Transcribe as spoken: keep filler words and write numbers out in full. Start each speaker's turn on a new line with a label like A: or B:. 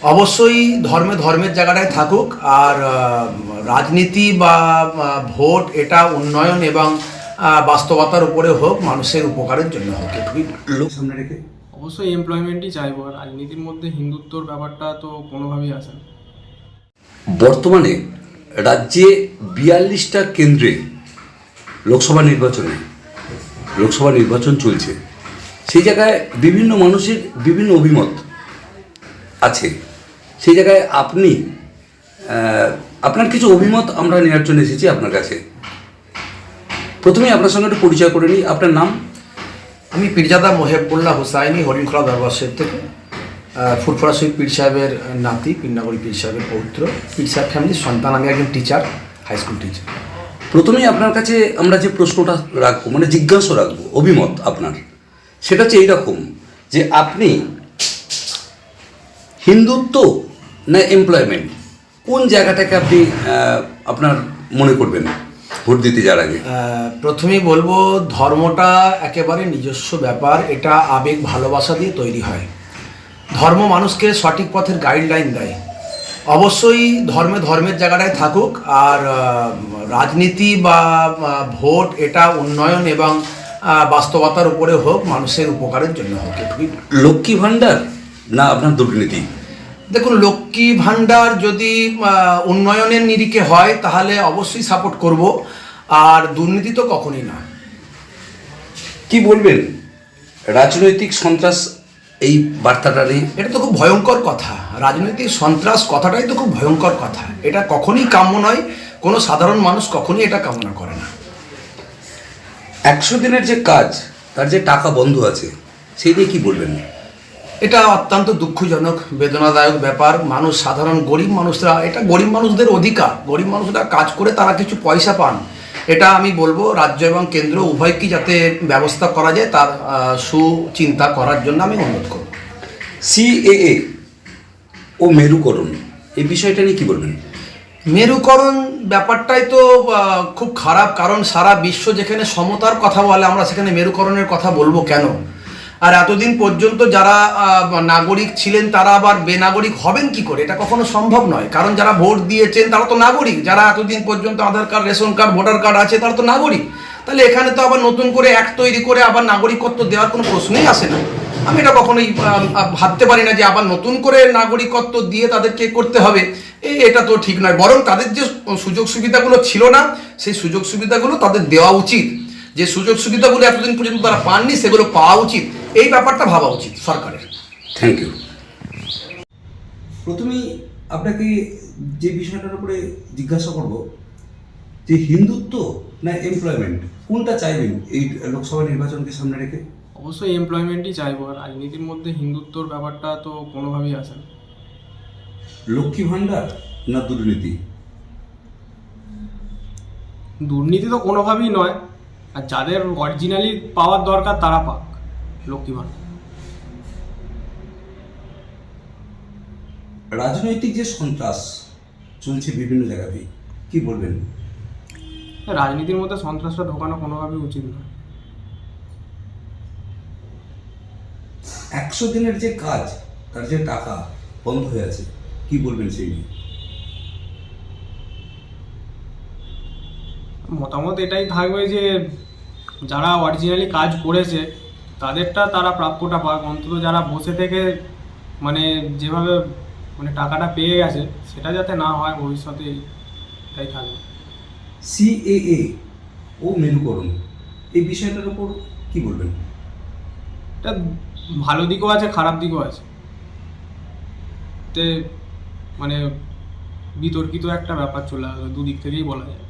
A: অবশ্যই ধর্মে ধর্মের জায়গাটায় থাকুক, আর রাজনীতি বা ভোট এটা উন্নয়ন এবং বাস্তবতার উপরে হোক, মানুষের উপকারের জন্য হোক, এটুকুই লোক সামনে রেখে
B: অবশ্যই এমপ্লয়মেন্টই চাইবো। আর রাজনীতির মধ্যে হিন্দুত্বর ব্যাপারটা তো কোনোভাবেই আসে না।
C: বর্তমানে রাজ্যে বিয়াল্লিশটা কেন্দ্রে লোকসভা নির্বাচনে লোকসভা নির্বাচন চলছে। সেই জায়গায় বিভিন্ন মানুষের বিভিন্ন অভিমত আছে। সেই জায়গায় আপনি আপনার কিছু অভিমত আমরা নেওয়ার জন্য এসেছি আপনার কাছে। প্রথমেই আপনার সঙ্গে একটু পরিচয় করে নিই। আপনার নাম?
A: আমি পীরজাদা মোহেবুল্লাহ হুসাইনি, হরিণখোলা দরবার শরীফ থেকে, ফুরফুরা শরীফ পীর সাহেবের নাতি, পীরনগরী পীর সাহেবের পৌত্র, পীর সাহেব ফ্যামিলির সন্তান। আমি একজন টিচার, হাই স্কুল টিচার।
C: প্রথমেই আপনার কাছে আমরা যে প্রশ্নটা রাখবো, মানে জিজ্ঞাসা রাখবো অভিমত আপনার, সেটা হচ্ছে এইরকম যে আপনি হিন্দুত্ব না এমপ্লয়মেন্ট, কোন জায়গাটাকে আপনি আপনার মনে করবেন ভোট দিতে যাওয়ার আগে?
A: প্রথমেই বলবো, ধর্মটা একেবারে নিজস্ব ব্যাপার। এটা আবেগ ভালোবাসা দিয়ে তৈরি হয়। ধর্ম মানুষকে সঠিক পথের গাইডলাইন দেয়। অবশ্যই ধর্মে ধর্মের জায়গাটায় থাকুক, আর রাজনীতি বা ভোট এটা উন্নয়ন এবং বাস্তবতার উপরে হোক, মানুষের উপকারের জন্য হোক, এটুকুই।
C: লক্ষ্মী ভাণ্ডার না আপনার দুর্নীতি?
A: দেখুন, লক্ষ্মী ভাণ্ডার যদি উন্নয়নের নিরিখে হয় তাহলে অবশ্যই সাপোর্ট করব, আর দুর্নীতি তো কখনই না।
C: কি বলবেন রাজনৈতিক সন্ত্রাস এই বার্তাটা নিয়ে?
A: এটা তো খুব ভয়ঙ্কর কথা। রাজনৈতিক সন্ত্রাস কথাটাই তো খুব ভয়ঙ্কর কথা। এটা কখনই কাম্য নয়। কোনো সাধারণ মানুষ কখনই এটা কামনা করে না।
C: একশো দিনের যে কাজ, তার যে টাকা বন্ধ আছে, সেই নিয়ে কি বলবেন?
A: এটা অত্যন্ত দুঃখজনক, বেদনাদায়ক ব্যাপার। মানুষ, সাধারণ গরিব মানুষরা, এটা গরিব মানুষদের অধিকার। গরিব মানুষরা কাজ করে তারা কিছু পয়সা পান। এটা আমি বলবো রাজ্য এবং কেন্দ্র উভয়কেই যাতে ব্যবস্থা করা যায়, তার সুচিন্তা করার জন্য আমি অনুরোধ করব।
C: সিএএ ও মেরুকরণ, এই বিষয়টা নিয়ে কি বলবেন?
A: মেরুকরণ ব্যাপারটাই তো খুব খারাপ, কারণ সারা বিশ্ব যেখানে সমতার কথা বলে, আমরা সেখানে মেরুকরণের কথা বলবো কেন? আর এতদিন পর্যন্ত যারা নাগরিক ছিলেন তারা আবার বেনাগরিক হবেন কি করে? এটা কখনো সম্ভব নয়। কারণ যারা ভোট দিয়েছেন তারা তো নাগরিক। যারা এতদিন পর্যন্ত Aadhaar card, ration card, voter card আছে, তারা তো নাগরিক। তাহলে এখানে তো আবার নতুন করে অ্যাক্ট তৈরি করে আবার নাগরিকত্ব দেওয়ার কোনো প্রশ্নই আসে না। আমি এটা কখনোই ভাবতে পারি না যে আবার নতুন করে নাগরিকত্ব দিয়ে তাদেরকে করতে হবে। এই এটা তো ঠিক নয়। বরং তাদের যে সুযোগ সুবিধাগুলো ছিল না, সেই সুযোগ সুবিধাগুলো তাদের দেওয়া উচিত। যে সুযোগ সুবিধাগুলো এতদিন পর্যন্ত তারা পাননি, সেগুলো পাওয়া উচিত। এই ব্যাপারটা ভাবা উচিত সরকারের।
C: Thank you. প্রথমেই আপনাকে যে বিষয়টার উপরে জিজ্ঞাসা করব যে হিন্দুত্ব না এমপ্লয়মেন্ট, কোনটা চাইবেন এই লোকসভা নির্বাচনকে সামনে রেখে?
B: অবশ্যই এমপ্লয়মেন্টই চাইবো। আর রাজনীতির মধ্যে হিন্দুত্বর ব্যাপারটা তো কোনোভাবেই আসে না।
C: লক্ষ্মী ভাণ্ডার না দুর্নীতি?
B: দুর্নীতি তো কোনোভাবেই নয়। আর যাদের অরিজিনালি পাওয়ার দরকার তারা পাক লক্ষ্মী ভাণ্ডার।
C: রাজনৈতিক যে সন্ত্রাস চলছে বিভিন্ন জায়গাতেই, কি বলবেন?
B: রাজনীতির মধ্যে সন্ত্রাসটা ঢোকানো কোনোভাবেই উচিত নয়।
C: একশো দিনের যে কাজ, তার যে টাকা বন্ধ হয়ে আছে, কি বলবেন সেই নিয়ে?
B: মতামত এটাই থাকবে যে যারা অরিজিনালি কাজ করেছে তাদেরটা তারা প্রাপ্যটা পাক। অন্তত যারা বসে থেকে মানে যেভাবে মানে টাকাটা পেয়ে গেছে, সেটা যাতে না হয় ভবিষ্যতে, এটাই থাকবে।
C: সিএএ ও মেরুকরণ, এই বিষয়টার উপর কি বলবেন?
B: এটা ভালো দিকও আছে, খারাপ দিকও আছে। তে মানে বিতর্কিত একটা ব্যাপার চলে আসবে, দুদিক থেকেই বলা যায়।